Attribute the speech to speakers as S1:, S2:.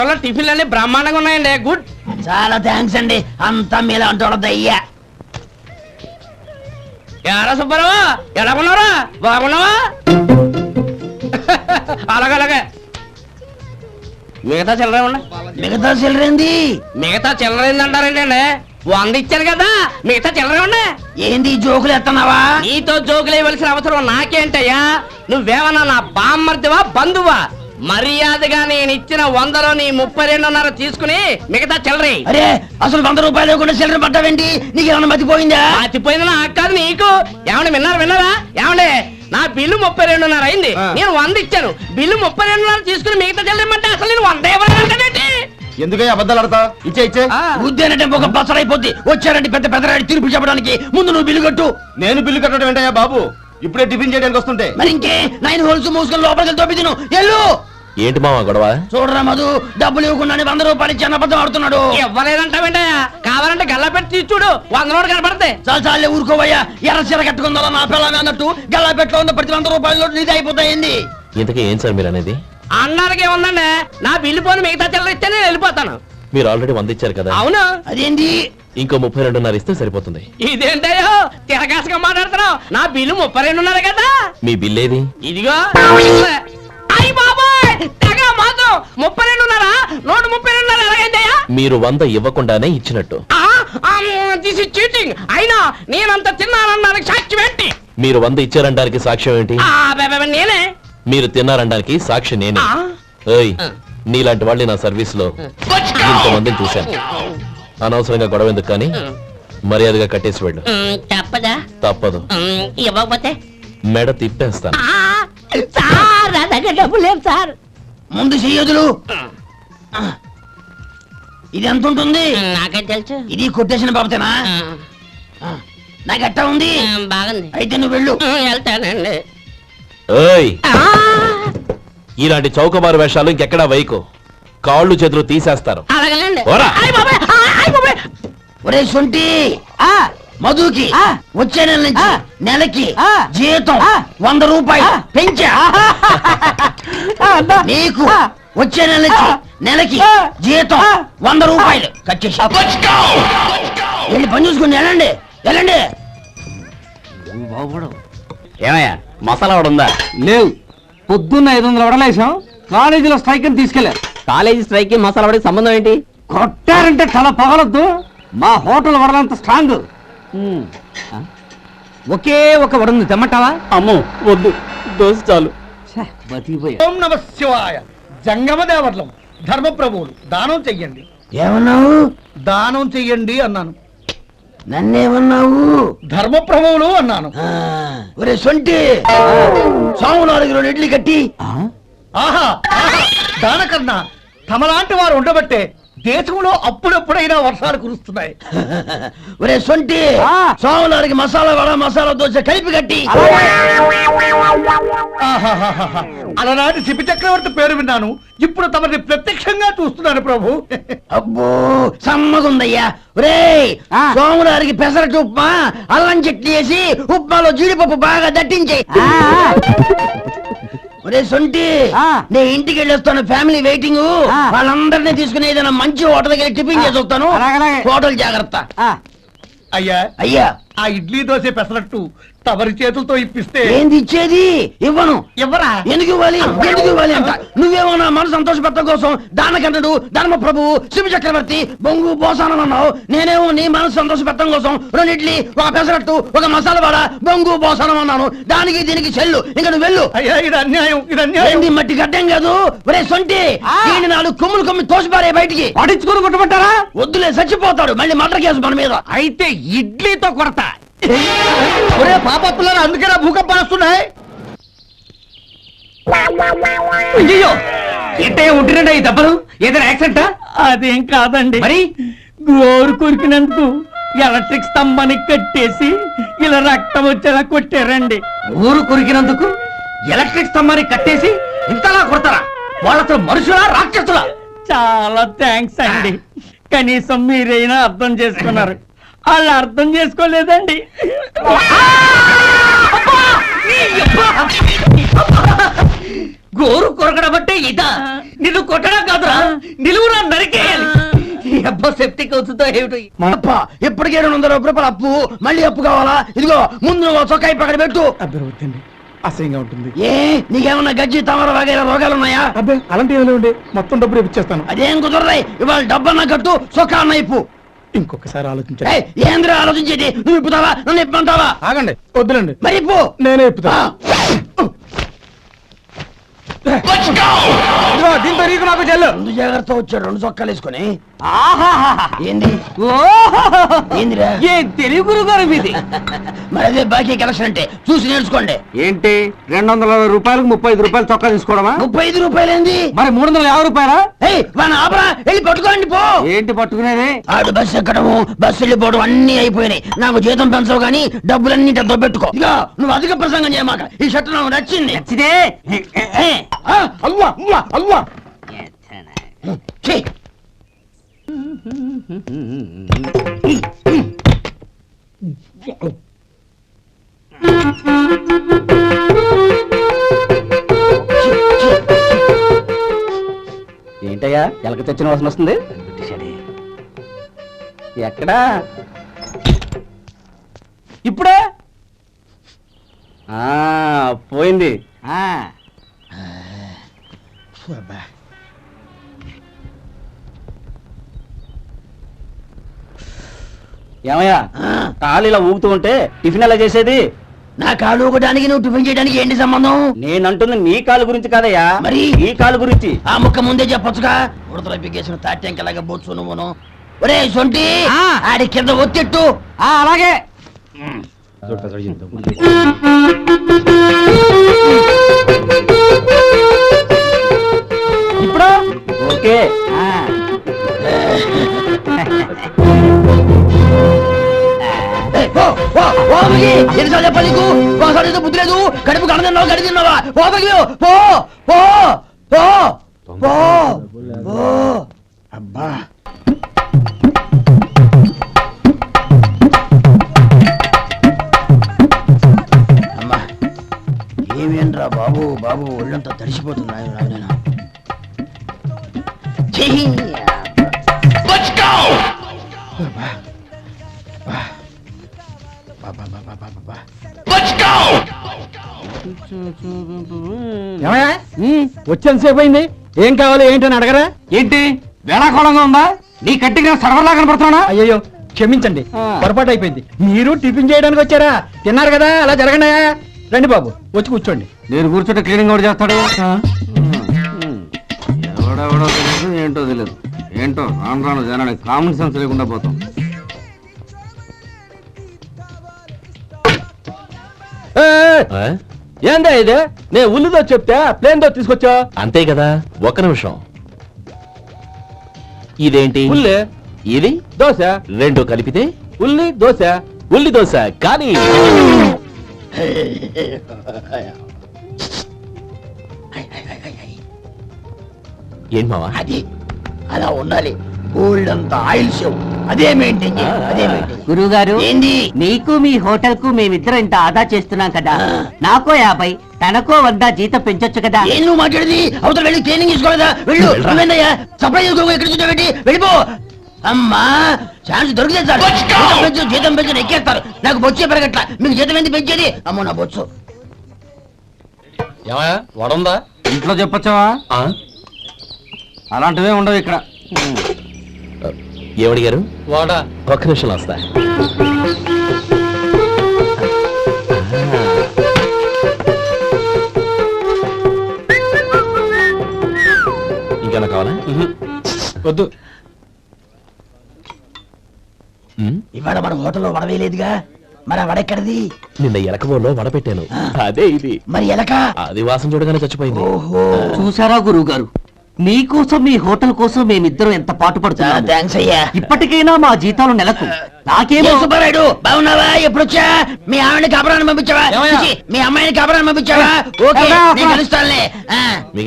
S1: హోటల్లో టిఫిన్లు అన్ని బ్రహ్మాండంగా ఉన్నాయండి. గుడ్.
S2: చాలా థ్యాంక్స్ అండి, అంతా మీలా అంటోడదయ్యా.
S1: ఎరా సుబ్బారావు, ఎలా ఉన్నారా? బాగున్నావా? అలాగే మిగతా చిల్లర ఉన్నా.
S2: మిగతా చిల్లరేంది?
S1: మిగతా చిల్లరైంది అంటారండి అండి. 100 ఇచ్చాను కదా, మిగతా చిల్లర ఉన్నా.
S2: ఏంది జోకులు ఎత్తన్నావా?
S1: నీతో జోకులు వేయవలసిన అవసరం నాకేంటయ్యా? నువ్వేమన్నా నా బామ్మర్దివా బంధువా? మర్యాదగా నేను ఇచ్చిన 100లో నీ 32.5 తీసుకుని మిగతా చిల్లరి.
S2: అరే అసలు 100 రూపాయలు కూడా చిల్లర పడ్డావేంటి? నీకు ఏమన్నా మతిపోయిందా?
S1: మర్చిపోయింది నాకు కాదు నీకు. ఏమండి విన్నారా? ఏమండి నా బిల్లు 32.5 అయింది, నేను 100 ఇచ్చాను. బిల్లు 32.5 తీసుకుని మిగతా చిల్లరమంటే అసలు నేను 100 ఇవ్వాలంటే
S3: ఎందుకే అబద్ధాలు ఆడతా? ఇచ్చే
S2: ఉద్యానంటే ఒక బసరైపోద్ది. వచ్చారంటే పెద్ద పెద్దరాడి తీర్పు చెప్పడానికి ముందు నువ్వు బిల్లు కట్టు.
S3: నేను బిల్లు కట్టడం ఏంటయ్యా బాబు? ఇప్పుడే టిఫిన్ చేయడానికి వస్తుంటే.
S2: మరి ఇంకే 9 హోల్స్ మూసుకొని లోపలికి తోపి తిను. ఎల్లు.
S3: ఏంటి మావా గొడవ?
S2: చూడరా మధు, డబ్బులు ఇవ్వకుండానే 100 రూపాయలు ఇచ్చి అబద్ధం ఆడుతున్నాడు.
S1: ఇవ్వలేదంటావేంటయ్యా? కావాలంటే గల్లా పెట్టి తీసి చూడు, 100 నోటు కనపడతాయి.
S2: చాలే ఊరుకోవయ్యా. ఎర్ర చీర కట్టుకుందా నా పిల్లమే అన్నట్టు గల్లా పెట్లో ఉన్న ప్రతి 100 రూపాయలు నీది అయిపోతాయింది.
S3: ఇంతకీ ఏం సార్ మీరు అనేది?
S1: అన్నారకి ఏముందండి, నా బిల్లు పోని మిగతా చిల్లర ఇస్తే నేను వెళ్ళిపోతాను.
S3: మీరు ఆల్రెడీ 100 ఇచ్చారు కదా.
S1: అవును.
S2: అదేంటి?
S3: ఇంకో 32.5 ఇస్తే సరిపోతుంది.
S1: ఇదేంటయ్యో తిరగాసుగా మాట్లాడుతున్నావు? నా బిల్లు 32.5 కదా.
S3: మీ బిల్ ఏది?
S1: ఇదిగో. అయ్య బాబాయ్, తెగ మాత్రం 32.5 నోటు 32.5 ఎలాగైందయ్యా?
S3: మీరు 100 ఇవ్వకుండానే ఇచ్చినట్టు.
S1: This is cheating. అయినా నేనంత తిన్నానన్నానికి సాక్ష్యం ఏంటి?
S3: మీరు 100 ఇచ్చారనడానికి సాక్ష్యం ఏంటి?
S1: నేనే.
S3: మీరు తిన్నారనడానికి సాక్షి నేనే. ఏయ్, నీలాంటి వాళ్ళని నా సర్వీస్ లో ఇంతమందిని చూశాను. అనవసరంగా గొడవ ఎందుకు కానీ మర్యాదగా కట్టేసి వెళ్ళు.
S1: తప్పదా?
S3: తప్పదు.
S1: ఇవ్వకపోతే
S3: మెడ తిప్పేస్తాను.
S1: సార్ నా దగ్గర డబ్బు లేదు సార్.
S2: ముందు చెయ్యదులు. ఇది ఎంత ఉంటుంది?
S1: నాకే తెలుసు.
S2: ఇది కొట్టేసిన బాబతేనా? నాకు ఎట్టా ఉంది?
S1: బాగుంది.
S2: అయితే నువ్వు వెళ్ళు.
S1: వెళ్తానండి.
S3: ఏయ్, ఇలాంటి చౌకబారు వేషాలు ఇంకెక్కడా వైకు. కాళ్ళు చేతులు తీసేస్తారు.
S1: అలాగేనండి.
S3: ఓరా.
S2: ఒరే సొంటి, మధుకి వచ్చే నెల నుంచి నెలకి జీతం 100 రూపాయలు పెంచా. నీకు వచ్చే నెల నుంచి నెలకి జీతం 100 రూపాయలు కట్ చేసి వెళ్ళి పని చూసుకుని వెళ్ళండి.
S3: ఏమయ్యా, మసాలా ఉందా?
S4: లేవు. పొద్దున్న 500 వడలేసాం. కాలేజీలో స్ట్రైక్ అని తీసుకెళ్లారు.
S1: కాలేజీ స్ట్రైక్ కి మసాలా వాడికి సంబంధం ఏంటి?
S4: కొట్టారంటే తల పగలొద్దు. మా హోటల్ వడలంత స్ట్రాంగ్. ఒకే ఒక వడుంది, తెమ్మంటావా?
S3: అమ్మో వద్దు, దోశ చాలు.
S5: ఓం నమ శివాయ. జంగమ దేవర్లం ధర్మప్రభువులు దానం చెయ్యండి.
S2: ఏమన్నావు?
S5: దానం చెయ్యండి అన్నాను.
S2: నన్నేమన్నావు?
S5: ధర్మప్రభువులు అన్నాను.
S2: ఒరే సొంటి, సాము 4 ఇడ్లీ కట్టి.
S5: ఆహా, దానకన్నా తమలాంటి వారు ఉండబట్టే దేశంలో అప్పుడెప్పుడైనా వర్షాలు కురుస్తున్నాయి.
S2: ఒరే సొంటి, సాము 4 మసాలా వడ మసాలా దోశ కలిపి కట్టి.
S5: ఆహాహాహా. అలనాటి శిపి చక్రవర్తి పేరు విన్నాను, ఇప్పుడు తమని ప్రత్యక్షంగా చూస్తున్నాను ప్రభు.
S2: అబ్బో సమ్మగుందయ్యా. ఒరే సోములారికి పెసరట్టు ఉప్మా, అల్లం చట్నీ వేసి ఉప్మాలో జీడిపప్పు బాగా దట్టించేయి. ఒరే సొంటి, నేను ఇంటికి వెళ్ళొస్తాను. Family waiting. వాళ్ళందరినీ తీసుకుని ఏదైనా మంచి హోటల్ దగ్గర టిఫిన్ చేసి వస్తాను. హోటల్ జాగ్రత్త.
S5: అయ్యా, ఆ ఇడ్లీ దోశ పెసరట్టు తమరి చేతులతో ఇప్పిస్తే.
S2: ఏంది ఇచ్చేది? ఇవ్వను.
S5: ఎవరా?
S2: ఎందుకు ఇవ్వాలి అంట? నువ్వేమో నా మనసు సంతోషపెట్టడం కోసం దానకన్నుడు, ధర్మ ప్రభువు, శివ చక్రవర్తి, బొంగు బోసానం అన్నావు. నేనేమో నీ మనసు సంతోషపెట్టడం కోసం 2 ఇడ్లీ, ఒక పెసరట్టు, ఒక మసాలా వడ, బొంగు బోసానం అన్నాను. దానికి దీనికి చెల్లు. ఇంకా నువ్వు వెళ్ళు.
S5: అయ్యా, ఇది అన్యాయం.
S2: ఏంది మట్టి గడ్డం కాదు. ఒరే సొంటి, దీన్ని 4 కొమ్ములు తోసిపారే బయటికి.
S4: పడించుకుని కొట్టమంటారా?
S2: వద్దులే, చచ్చిపోతాడు. మళ్ళీ మటర్ కేసు మన మీద.
S4: అయితే ఇడ్లీతో కొడతా.
S5: ఒరే పాపత్తులారా, అందుకేనా భూకంపాలు వస్తున్నాయి?
S4: అయ్యో, ఏంటయ్యా ఉంటున్నాడా ఈ దెబ్బలు? ఏదైనా యాక్సిడెంటా?
S1: అదేం కాదండి.
S4: మరి
S1: గోరు కొరికినందుకు ఎలక్ట్రిక్ స్తంభానికి కట్టేసి ఇలా రక్తం వచ్చేలా కొట్టారండి.
S4: ఊరు కొరికినందుకు ఎలక్ట్రిక్ స్తంభానికి కట్టేసి ఇంతలా కొడతారా? వాళ్ళతో మనుషులా రాక్షసులా?
S1: చాలా థ్యాంక్స్ అండి. కనీసం మీరైనా అర్థం చేసుకున్నారు. వాళ్ళు అర్థం చేసుకోలేదండి.
S4: గోరు కొరకడం అంటే ఇదా? నిన్ను కొట్టడం కాదురా, నిలువురా నరికేయాలి. ఈ అబ్బా సెప్టిక్ అవుతుందో ఏమిటో.
S2: అప్ప ఇప్పటికే 200 రూపాయలు అప్పు, మళ్ళీ అప్పు కావాలా? ఇదిగో ముందు నువ్వు చొక్కాయి పక్కన పెట్టు.
S5: అబ్బే వద్దండి, అసహ్యంగా ఉంటుంది.
S2: ఏ నీకేమన్నా గజ్జి తమర వగైరా రోగాలు ఉన్నాయా?
S5: అబ్బే అలాంటి ఏమైనా ఉండే, మొత్తం డబ్బులు ఇప్పించేస్తాను.
S2: అదేం కుదరదాయి. ఇవాళ డబ్బన్నా కట్టు, చొక్కా అన్న ఇప్పు.
S5: ఇంకొకసారి ఆలోచించండి.
S2: ఏయ్, ఏంద్రా ఆలోచించేది? నువ్వు ఇప్పుతావా, నన్ను ఇప్పమంటావా?
S5: ఆగండి, వద్దులండి,
S2: మరి ఇప్పు.
S5: నేనే ఇప్పుతా. ఇదిగో, దీంతో నీకు నాకు చెల్లు.
S2: ముందు జాగ్రత్త వచ్చాడు 2 చొక్కాలు వేసుకొని.
S4: ఆహాహాహా.
S2: ఏంది
S4: ఓహోహోహో.
S2: ఏందిరా?
S4: ఏం తెలివి గురుగారు మీది.
S2: మరి అదే బాకీ కలెక్షన్ అంటే చూసి నేర్చుకోండి.
S4: ఏంటి 220 రూపాయలకు 35 రూపాయలు చొక్కా తీసుకోవడమా?
S2: 35 రూపాయలు ఏంది?
S4: మరి 350 రూపాయలా?
S2: ఏయ్ వాడిని ఆపరా, వెళ్ళి పట్టుకోండి పో.
S4: ఏంటి పట్టుకునేది?
S2: ఆడు బస్సు ఎక్కడము, బస్సు వెళ్ళిపోవడం అన్ని అయిపోయినాయి. నాకు జీతం పెంచవు గానీ డబ్బులన్నీ డబ్బు పెట్టుకో. ఇక నువ్వు అధిక ప్రసంగం చేయమాక. ఈ షర్ట్ నాకు నచ్చింది.
S4: నచ్చితే
S2: ఆ, అల్వా అల్వా అల్వా. ఛీ.
S4: ఏంటయ్యా ఎలక తెచ్చిన వాసన వస్తుంది? ఎక్కడా? ఇప్పుడే పోయింది. ఏమయ్యా కాలు ఇలా ఊగుతూ ఉంటే టిఫిన్ ఎలా చేసేది?
S2: నా కాలు ఒకటానికి నువ్వు టిఫిన్ చేయడానికి ఏంటి సంబంధం?
S4: నేనంటుంది నీ కాలు గురించి కాదయ్యా,
S2: మరి
S4: ఈ కాలు గురించి.
S2: ఆ ముక్క ముందే చెప్పొచ్చుగా. ఉడతల పిగేసిన తాట్యంకలాగా బొచ్చు నువ్వును. ఒరే సొంటి, ఆడి కింద ఒత్తిట్టు.
S4: అలాగే. ఇప్పుడు ఓకే.
S2: ఎన్నిసార్లు చెప్పాలి నీకు? ఒకసారి ఏదో బుద్ధి లేదు. కడుపు కడ తిన్నావు, గడి తిన్నావా? పోతకి పో పో పో పో పో. అబ్బా అమ్మా, ఏమేంట్రా బాబు బాబు, ఒళ్ళంతా తడిసిపోతుంది. నేను
S5: వచ్చేంతసేపు అయింది, ఏం కావాలి ఏంటని అడగరా?
S4: ఏంటి వేళాకోళంగా ఉందా? నీ కట్టిగా సర్వర్లా కనపడుతున్నా?
S5: అయ్యో క్షమించండి, పొరపాటు అయిపోయింది. మీరు టిఫిన్ చేయడానికి వచ్చారా? తిన్నారు కదా, అలా జరగండి. రండి బాబు, వచ్చి కూర్చోండి.
S4: నేను కూర్చుంటే క్లీనింగ్ కూడా చేస్తాడు. ఎవడెవడో తెలియదు, ఏంటో తెలియదు. ఏంటో రాను రాను జనానికి కామన్ సెన్స్ లేకుండా పోతాం.
S3: ఆ?
S5: ఏందా ఇది? నేను ఉల్లిదో చెప్తే ప్లేన్ దో తీసుకొచ్చా.
S3: అంతే కదా, ఒక్క నిమిషం. ఇదేంటి?
S5: ఉల్లి
S3: ఇది
S5: దోశ,
S3: రెండు కలిపితే
S5: ఉల్లి దోశ.
S3: ఉల్లి దోశ. కానీ ఏం మావా?
S2: అది అలా ఉండాలి. గోల్డ్ అంత ఆయిల్ షో అదే మెయింటైన్ చేయాలి. అదే మెయింటైన్.
S6: గురువుగారు,
S2: ఏంది?
S6: మీకు మీ హోటల్ కు మేమిద్దరం ఇంత ఆదా చేస్తున్నాం కదా, నాకో 50 తనకో 100 జీతం పెంచొచ్చు కదా.
S2: ఏం నువ్వు మాట్లాడేది? అవతల వెళ్ళి ట్రైనింగ్ తీసుకోలేదా? వెళ్ళు. నువ్వేందయ్యా సప్లై చేసుకో, ఎక్కడ కూర్చోబెట్టి వెళ్ళిపో. అమ్మా ఛాన్స్ దొరికితే చాలు. జీతం పెంచు ఎక్కేస్తారు. నాకు బొచ్చే పెరగట్ల, మీకు జీతం ఎందుకు పెంచేది? అమ్మో నా బొచ్చు.
S3: ఏమయ్యా, వడుందా?
S4: ఇంట్లో చెప్పొచ్చావా? అలాంటివే ఉండవు ఇక్కడ.
S3: ఏమడిగారు? వాడా. ఒక్క నిమిషం వస్తా. ఇంకేనా కావాలా?
S5: వద్దు.
S2: ఇవాళ మన హోటల్లో వడవేయలేదుగా, మరి ఆ వడ ఎక్కడిది?
S3: నిన్న ఎలకబోలో వడ పెట్టాను, అదే ఇది.
S2: మరి ఎలక?
S3: అది వాసన చూడగానే చచ్చిపోయింది.
S2: ఓహో,
S6: చూసారా గురువు గారు, మీకోసం మీ హోటల్ కోసం మేమిద్దరం ఎంత పాటు పడుతున్నాం.
S2: థ్యాంక్స్ అయ్యా.
S6: ఇప్పటికైనా మా జీతాలు నెలకు నాకేమో.
S2: సుబ్బారాయుడు బాగున్నావా? ఎప్పుడొచ్చా? మీ ఆవిడని కాపురాన్ని పంపించావా? మీ అమ్మాయిని కాపురాన్ని పంపించావా? ఓకే, నేను కలుస్తానులే.